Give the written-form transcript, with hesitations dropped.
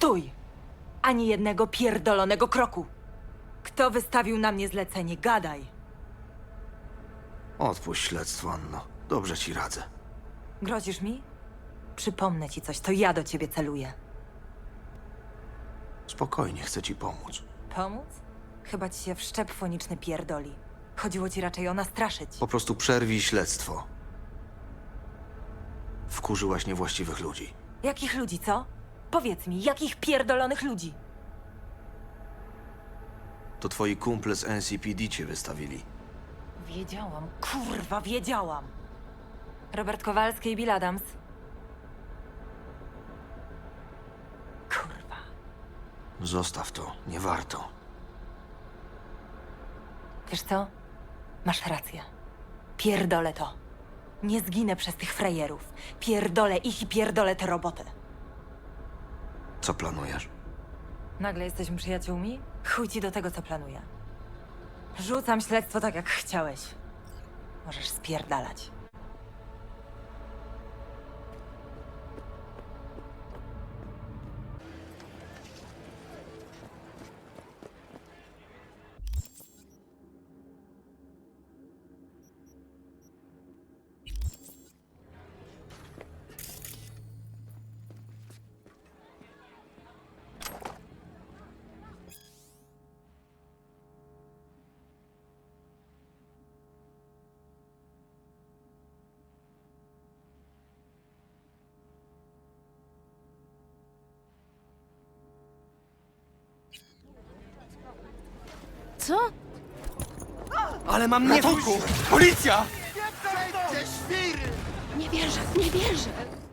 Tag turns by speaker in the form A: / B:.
A: Stój! Ani jednego pierdolonego kroku! Kto wystawił na mnie zlecenie? Gadaj!
B: Odpuść śledztwo, Anno. Dobrze ci radzę.
A: Grozisz mi? Przypomnę ci coś, to ja do ciebie celuję.
B: Spokojnie, chcę ci pomóc.
A: Pomóc? Chyba ci się wszczep foniczny pierdoli. Chodziło ci raczej o nastraszyć.
B: Po prostu przerwij śledztwo. Wkurzyłaś niewłaściwych ludzi.
A: Jakich ludzi, co? Powiedz mi, jakich pierdolonych ludzi?
B: To twoi kumple z NCPD cię wystawili.
A: Wiedziałam, kurwa, wiedziałam! Robert Kowalski i Bill Adams. Kurwa.
B: Zostaw to, nie warto.
A: Wiesz co? Masz rację. Pierdolę to. Nie zginę przez tych frajerów. Pierdolę ich i pierdolę tę robotę.
B: Co planujesz?
A: Nagle jesteśmy przyjaciółmi? Chuj ci do tego, co planuję. Rzucam śledztwo tak, jak chciałeś. Możesz spierdalać.
C: Co?
D: Ale mam ratunku! Policja!
C: Nie wierzę, nie wierzę!